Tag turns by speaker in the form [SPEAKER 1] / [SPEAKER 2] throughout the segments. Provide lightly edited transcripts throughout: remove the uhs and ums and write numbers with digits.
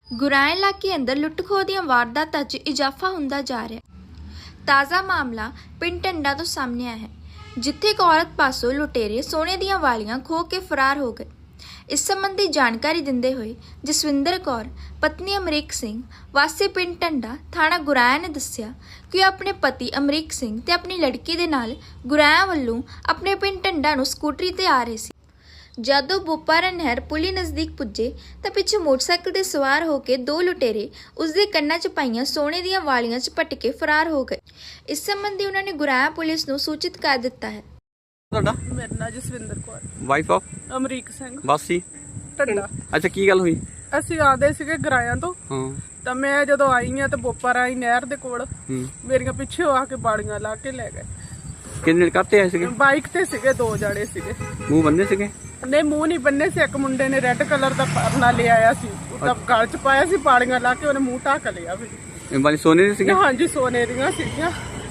[SPEAKER 1] ਗੁਰਾਇਆ ਇਲਾਕੇ ਅੰਦਰ ਲੁੱਟ-ਖੋਹ ਦੀਆਂ ਵਾਰਦਾਤਾਂ 'ਚ ਇਜ਼ਾਫਾ ਹੁੰਦਾ ਜਾ ਰਿਹਾ। ਤਾਜ਼ਾ ਮਾਮਲਾ ਪਿੰਡ ਟੰਡਾ ਤੋਂ ਸਾਹਮਣੇ ਆਇਆ ਹੈ, ਜਿੱਥੇ ਇੱਕ ਔਰਤ ਪਾਸੋਂ ਲੁਟੇਰੇ ਸੋਨੇ ਦੀਆਂ ਵਾਲੀਆਂ ਖੋਹ ਕੇ ਫਰਾਰ ਹੋ ਗਏ। ਇਸ ਸੰਬੰਧੀ ਜਾਣਕਾਰੀ ਦਿੰਦੇ ਹੋਏ ਜਸਵਿੰਦਰ ਕੌਰ ਪਤਨੀ ਅਮਰੀਕ ਸਿੰਘ ਵਾਸੀ ਪਿੰਡ ਟੰਡਾ ਥਾਣਾ ਗੁਰਾਇਆ ਨੇ ਦੱਸਿਆ ਕਿ ਉਹ ਆਪਣੇ ਪਤੀ ਅਮਰੀਕ ਸਿੰਘ ਤੇ ਆਪਣੀ ਲੜਕੀ ਦੇ ਨਾਲ ਗੁਰਾਇਆ ਵੱਲੋਂ ਆਪਣੇ ਪਿੰਡ ਟੰਡਾ ਨੂੰ ਸਕੂਟਰੀ ਤੇ ਆ ਰਹੇ ਸੀ। ਜਦੋਂ ਬੋਪਾਰਾ ਨਹਿਰ ਪੁਲੀ ਨਜ਼ਦੀਕ ਪੁੱਜੇ ਤਾਂ ਪਿੱਛੇ ਮੋਟਰਸਾਈਕਲ ਤੇ ਸਵਾਰ ਹੋ ਕੇ ਦੋ ਲੁਟੇਰੇ ਉਸਦੇ ਕੰਨਾਂ 'ਚ ਪਾਈਆਂ ਸੋਨੇ ਦੀਆਂ ਵਾਲੀਆਂ 'ਚ ਪਟ ਕੇ ਫਰਾਰ ਹੋ ਗਏ। ਇਸ ਸੰਬੰਧੀ ਉਹਨਾਂ ਨੇ ਗੁਰਾਇਆ ਪੁਲਿਸ ਨੂੰ ਸੂਚਿਤ ਕਰ ਦਿੱਤਾ ਹੈ।
[SPEAKER 2] ਤੁਹਾਡਾ
[SPEAKER 3] ਮੇਰਾ ਨਾਂ ਜਸਵਿੰਦਰ ਕੌਰ,
[SPEAKER 2] ਵਾਈਫ ਆਫ
[SPEAKER 3] ਅਮਰੀਕ ਸਿੰਘ
[SPEAKER 2] ਵਾਸੀ
[SPEAKER 3] ਟੰਡਾ।
[SPEAKER 2] ਅੱਛਾ, ਕੀ ਗੱਲ ਹੋਈ?
[SPEAKER 3] ਅਸੀਂ ਆਦੇ ਸੀਗੇ ਗਰਾਇਆਂ ਤੋਂ,
[SPEAKER 2] ਹਾਂ
[SPEAKER 3] ਤਾਂ ਮੈਂ ਜਦੋਂ ਆਈ ਆ ਤਾਂ ਬੋਪਾਰਾ ਆਈ ਨਹਿਰ ਦੇ ਕੋਲ
[SPEAKER 2] ਹੂੰ
[SPEAKER 3] ਮੇਰੀਆਂ ਪਿੱਛੇ ਆ ਕੇ ਬਾੜੀਆਂ ਲਾ ਕੇ ਲੈ ਗਏ।
[SPEAKER 2] ਕਿੰਨੇ ਕਰਤੇ ਆਏ ਸੀਗੇ?
[SPEAKER 3] ਬਾਈਕ ਤੇ ਸੀਗੇ, ਦੋ ਜਾਣੇ ਸੀਗੇ।
[SPEAKER 2] ਮੂੰਹ ਬੰਦੇ ਸੀਗੇ?
[SPEAKER 3] ਨਹੀਂ, ਮੂੰਹ ਨਹੀਂ ਬੰਨੇ ਸੀ। ਇੱਕ ਮੁੰਡੇ ਨੇ ਰੈੱਡ ਕਲਰ ਦਾ ਪਰਨਾ ਲੈ ਆਇਆ ਸੀ, ਉਹਦਾ ਗਲ 'ਚ ਪਾਇਆ ਸੀ, ਬਾੜੀਆਂ ਲਾ ਕੇ ਉਹਨੇ ਮੂੰਹ ਢੱਕ ਲਿਆ ਵੀ।
[SPEAKER 2] ਇਹ ਵਾਲੀ ਸੋਨੇ ਦੇ ਸੀਗੇ?
[SPEAKER 3] ਹਾਂਜੀ, ਸੋਨੇ ਦੀਆਂ ਸੀਗੀਆਂ।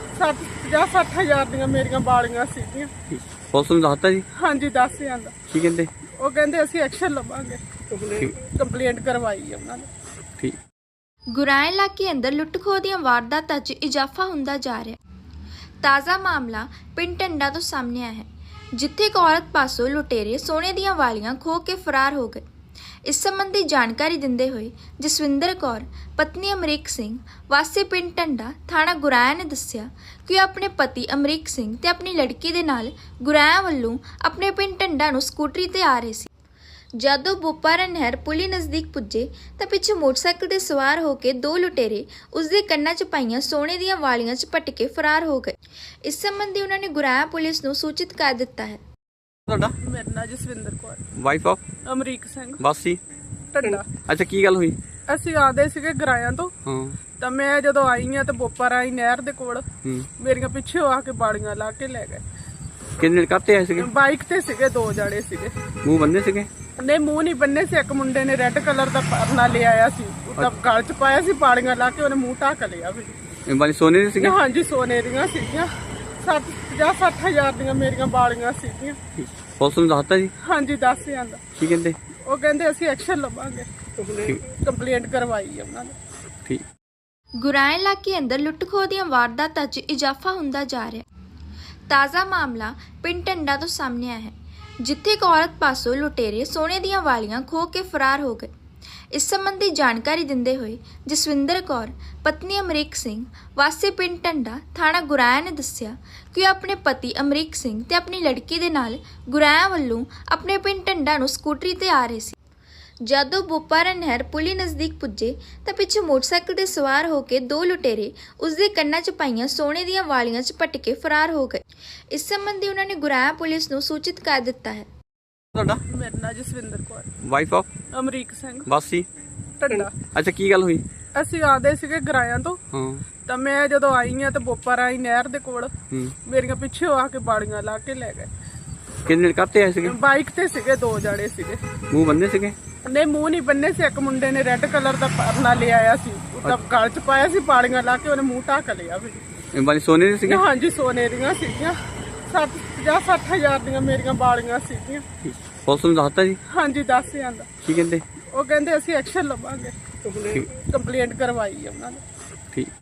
[SPEAKER 3] 50-60 ਹਜ਼ਾਰ ਦੀਆਂ ਮੇਰੀਆਂ ਬਾੜੀਆਂ ਸੀਗੀਆਂ।
[SPEAKER 2] ਪੁਲਿਸ ਨੂੰ ਦੱਸਤਾ ਜੀ?
[SPEAKER 3] ਹਾਂਜੀ, ਦੱਸ ਜਾਂਦਾ।
[SPEAKER 2] ਕੀ ਕਹਿੰਦੇ?
[SPEAKER 3] ਉਹ ਕਹਿੰਦੇ ਅਸੀਂ ਐਕਸ਼ਨ ਲਵਾਂਗੇ,
[SPEAKER 2] ਠੀਕ
[SPEAKER 3] ਕੰਪਲੇਂਟ ਕਰਵਾਈ ਉਹਨਾਂ ਨੇ।
[SPEAKER 2] ਠੀਕ।
[SPEAKER 1] ਗੁਰਾਇਆ ਇਲਾਕੇ ਅੰਦਰ ਲੁੱਟ-ਖੋਹ ਦੀਆਂ ਵਾਰਦਾਤਾਂ 'ਚ ਇਜ਼ਾਫਾ ਹੁੰਦਾ ਜਾ ਰਿਹਾ। ਤਾਜ਼ਾ ਮਾਮਲਾ ਪਿੰਡ ਟੰਡਾ ਤੋਂ ਸਾਹਮਣੇ ਆਇਆ ਹੈ, ਜਿੱਥੇ ਇੱਕ ਔਰਤ ਪਾਸੋਂ ਲੁਟੇਰੇ ਸੋਨੇ ਦੀਆਂ ਵਾਲੀਆਂ ਖੋਹ ਕੇ ਫਰਾਰ ਹੋ ਗਏ। ਇਸ ਸੰਬੰਧੀ ਜਾਣਕਾਰੀ ਦਿੰਦੇ ਹੋਏ ਜਸਵਿੰਦਰ ਕੌਰ ਪਤਨੀ ਅਮਰੀਕ ਸਿੰਘ ਵਾਸੀ ਪਿੰਡ ਟੰਡਾ ਥਾਣਾ ਗੁਰਾਇਆ ਨੇ ਦੱਸਿਆ ਕਿ ਉਹ ਆਪਣੇ ਪਤੀ ਅਮਰੀਕ ਸਿੰਘ ਤੇ ਆਪਣੀ ਲੜਕੀ ਦੇ ਨਾਲ ਗੁਰਾਇਆ ਵੱਲੋਂ ਆਪਣੇ ਪਿੰਡ ਟੰਡਾ ਨੂੰ ਸਕੂਟਰੀ ਤੇ ਆ ਰਹੇ ਸੀ। ਜਦੋਂ ਬੋਪਾਰਾ ਨਹਿਰ ਪੁਲੀ ਨਜ਼ਦੀਕ ਪੁੱਜੇ ਤਾਂ ਪਿੱਛੇ ਮੋਟਰਸਾਈਕਲ ਤੇ ਸਵਾਰ ਹੋ ਕੇ ਦੋ ਲੁਟੇਰੇ ਉਸਦੇ ਕੰਨਾਂ 'ਚ ਪਾਈਆਂ ਸੋਨੇ ਦੀਆਂ ਵਾਲੀਆਂ 'ਚ ਪਟ ਕੇ ਫਰਾਰ ਹੋ ਗਏ। ਇਸ ਸੰਬੰਧੀ ਉਹਨਾਂ ਨੇ ਗੁਰਾਇਆ ਪੁਲਿਸ ਨੂੰ ਸੂਚਿਤ ਕਰ ਦਿੱਤਾ ਹੈ।
[SPEAKER 2] ਤੁਹਾਡਾ
[SPEAKER 3] ਮੇਰਾ ਨਾਂ ਜਸਵਿੰਦਰ ਕੌਰ,
[SPEAKER 2] ਵਾਈਫ ਆਫ
[SPEAKER 3] ਅਮਰੀਕ ਸਿੰਘ
[SPEAKER 2] ਵਾਸੀ
[SPEAKER 3] ਟੰਡਾ।
[SPEAKER 2] ਅੱਛਾ, ਕੀ ਗੱਲ ਹੋਈ?
[SPEAKER 3] ਅਸੀਂ ਆਦੇ ਸੀਗੇ ਗਰਾਇਆਂ ਤੋਂ,
[SPEAKER 2] ਹਾਂ
[SPEAKER 3] ਤਾਂ ਮੈਂ ਜਦੋਂ ਆਈ ਆ ਤਾਂ ਬੋਪਾਰਾ ਆਈ ਨਹਿਰ ਦੇ ਕੋਲ
[SPEAKER 2] ਹੂੰ
[SPEAKER 3] ਮੇਰੀਆਂ ਪਿੱਛੇ ਆ ਕੇ ਬਾੜੀਆਂ ਲਾ ਕੇ ਲੈ ਗਏ।
[SPEAKER 2] ਕਿੰਨੇ ਕਰਤੇ ਆਏ ਸੀਗੇ?
[SPEAKER 3] ਬਾਈਕ ਤੇ ਸੀਗੇ, ਦੋ ਜਾਣੇ ਸੀਗੇ।
[SPEAKER 2] ਮੂੰਹ ਬੰਦੇ ਸੀਗੇ?
[SPEAKER 3] ਨਹੀਂ, ਮੂੰਹ ਨਹੀਂ ਬੰਨੇ ਸੀ। ਇੱਕ ਮੁੰਡੇ ਨੇ ਰੈੱਡ ਕਲਰ ਦਾ ਪਰਨਾ ਲੈ ਆਇਆ ਸੀ, ਉਹਦਾ ਗਲ 'ਚ ਪਾਇਆ ਸੀ, ਬਾੜੀਆਂ ਲਾ ਕੇ ਉਹਨੇ ਮੂੰਹ ਢੱਕ ਲਿਆ ਵੀ।
[SPEAKER 2] ਇਹ ਵਾਲੀ ਸੋਨੇ ਦੇ ਸੀਗੇ?
[SPEAKER 3] ਹਾਂਜੀ, ਸੋਨੇ ਦੀਆਂ ਸੀਗੀਆਂ। 50-60 ਹਜ਼ਾਰ ਦੀਆਂ ਮੇਰੀਆਂ ਬਾੜੀਆਂ ਸੀਗੀਆਂ।
[SPEAKER 2] ਪੁਲਿਸ ਨੂੰ ਦੱਸਤਾ ਜੀ?
[SPEAKER 3] ਹਾਂਜੀ, ਦੱਸ ਜਾਂਦਾ।
[SPEAKER 2] ਕੀ ਕਹਿੰਦੇ?
[SPEAKER 3] ਉਹ ਕਹਿੰਦੇ ਅਸੀਂ ਐਕਸ਼ਨ ਲਵਾਂਗੇ,
[SPEAKER 2] ਠੀਕ।
[SPEAKER 3] ਕੰਪਲੇਂਟ ਕਰਵਾਈ ਉਹਨਾਂ ਨੇ।
[SPEAKER 2] ਠੀਕ।
[SPEAKER 1] ਗੁਰਾਇਆ ਇਲਾਕੇ ਅੰਦਰ ਲੁੱਟ-ਖੋਹ ਦੀਆਂ ਵਾਰਦਾਤਾਂ 'ਚ ਇਜ਼ਾਫਾ ਹੁੰਦਾ ਜਾ ਰਿਹਾ। ਤਾਜ਼ਾ ਮਾਮਲਾ ਪਿੰਡ ਟੰਡਾ ਤੋਂ ਸਾਹਮਣੇ ਆਇਆ ਹੈ, ਜਿੱਥੇ ਇੱਕ ਔਰਤ ਪਾਸੋਂ ਲੁਟੇਰੇ ਸੋਨੇ ਦੀਆਂ ਵਾਲੀਆਂ ਖੋਹ ਕੇ ਫਰਾਰ ਹੋ ਗਏ। ਇਸ ਸੰਬੰਧੀ ਜਾਣਕਾਰੀ ਦਿੰਦੇ ਹੋਏ ਜਸਵਿੰਦਰ ਕੌਰ ਪਤਨੀ ਅਮਰੀਕ ਸਿੰਘ ਵਾਸੀ ਪਿੰਡ ਟੰਡਾ ਥਾਣਾ ਗੁਰਾਇਆ ਨੇ ਦੱਸਿਆ ਕਿ ਉਹ ਆਪਣੇ ਪਤੀ ਅਮਰੀਕ ਸਿੰਘ ਤੇ ਆਪਣੀ ਲੜਕੀ ਦੇ ਨਾਲ ਗੁਰਾਇਆ ਵੱਲੋਂ ਆਪਣੇ ਪਿੰਡ ਟੰਡਾ ਨੂੰ ਸਕੂਟਰੀ ਤੇ ਆ ਰਹੇ ਸੀ। ਜਦੋਂ ਬੋਪਾਰਾ ਨਹਿਰ ਪੁਲੀ ਨਜ਼ਦੀਕ ਪੁੱਜੇ ਤਾਂ ਪਿੱਛੇ ਮੋਟਰਸਾਈਕਲ ਤੇ ਸਵਾਰ ਹੋ ਕੇ ਦੋ ਲੁਟੇਰੇ ਉਸਦੇ ਕੰਨਾਂ 'ਚ ਪਾਈਆਂ ਸੋਨੇ ਦੀਆਂ ਵਾਲੀਆਂ 'ਚ ਪਟ ਕੇ ਫਰਾਰ ਹੋ ਗਏ। ਇਸ ਸੰਬੰਧੀ ਉਹਨਾਂ ਨੇ ਗੁਰਾਇਆ ਪੁਲਿਸ ਨੂੰ ਸੂਚਿਤ ਕਰ ਦਿੱਤਾ ਹੈ।
[SPEAKER 2] ਤੁਹਾਡਾ
[SPEAKER 3] ਮੇਰਾ ਨਾਂ ਜਸਵਿੰਦਰ ਕੌਰ,
[SPEAKER 2] ਵਾਈਫ ਆਫ
[SPEAKER 3] ਅਮਰੀਕ ਸਿੰਘ
[SPEAKER 2] ਵਾਸੀ
[SPEAKER 3] ਟੰਡਾ।
[SPEAKER 2] ਅੱਛਾ, ਕੀ ਗੱਲ ਹੋਈ?
[SPEAKER 3] ਅਸੀਂ ਆਦੇ ਸੀਗੇ ਗਰਾਇਆਂ ਤੋਂ,
[SPEAKER 2] ਹਾਂ
[SPEAKER 3] ਤਾਂ ਮੈਂ ਜਦੋਂ ਆਈ ਆ ਤਾਂ ਬੋਪਾਰਾ ਆਈ ਨਹਿਰ ਦੇ ਕੋਲ
[SPEAKER 2] ਹੂੰ
[SPEAKER 3] ਮੇਰੀਆਂ ਪਿੱਛੇ ਆ ਕੇ ਬਾੜੀਆਂ ਲਾ ਕੇ ਲੈ ਗਏ।
[SPEAKER 2] ਕਿੰਨੇ ਕਰਤੇ ਆਏ ਸੀਗੇ?
[SPEAKER 3] ਬਾਈਕ ਤੇ ਸੀਗੇ, ਦੋ ਜਾਣੇ ਸੀਗੇ।
[SPEAKER 2] ਮੂੰਹ ਬੰਦੇ ਸੀਗੇ?
[SPEAKER 3] ਨਹੀਂ, ਮੂੰਹ ਨਹੀਂ ਬੰਨੇ ਸੀ। ਇੱਕ ਮੁੰਡੇ ਨੇ ਰੈੱਡ ਕਲਰ ਦਾ ਪਰਨਾ ਲੈ ਆਇਆ ਸੀ, ਉਹਦਾ ਗਲ 'ਚ ਪਾਇਆ ਸੀ, ਬਾੜੀਆਂ ਲਾ ਕੇ ਉਹਨੇ ਮੂੰਹ ਢੱਕ ਲਿਆ ਵੀ।
[SPEAKER 2] ਇਹ ਵਾਲੀ ਸੋਨੇ ਦੇ ਸੀਗੇ?
[SPEAKER 3] ਹਾਂਜੀ, ਸੋਨੇ ਦੀਆਂ ਸੀਗੀਆਂ। 50-60 ਹਜ਼ਾਰ ਦੀਆਂ ਮੇਰੀਆਂ ਬਾੜੀਆਂ ਸੀਗੀਆਂ।
[SPEAKER 2] ਪੁਲਿਸ ਨੂੰ ਦੱਸਤਾ ਜੀ?
[SPEAKER 3] ਹਾਂਜੀ, ਦੱਸ ਜਾਂਦਾ।
[SPEAKER 2] ਕੀ ਕਹਿੰਦੇ?
[SPEAKER 3] ਉਹ ਕਹਿੰਦੇ ਅਸੀਂ ਐਕਸ਼ਨ ਲਵਾਂਗੇ,
[SPEAKER 2] ਠੀਕ।
[SPEAKER 3] ਕੰਪਲੇਂਟ ਕਰਵਾਈ ਉਹਨਾਂ ਨੇ।
[SPEAKER 2] ਠੀਕ।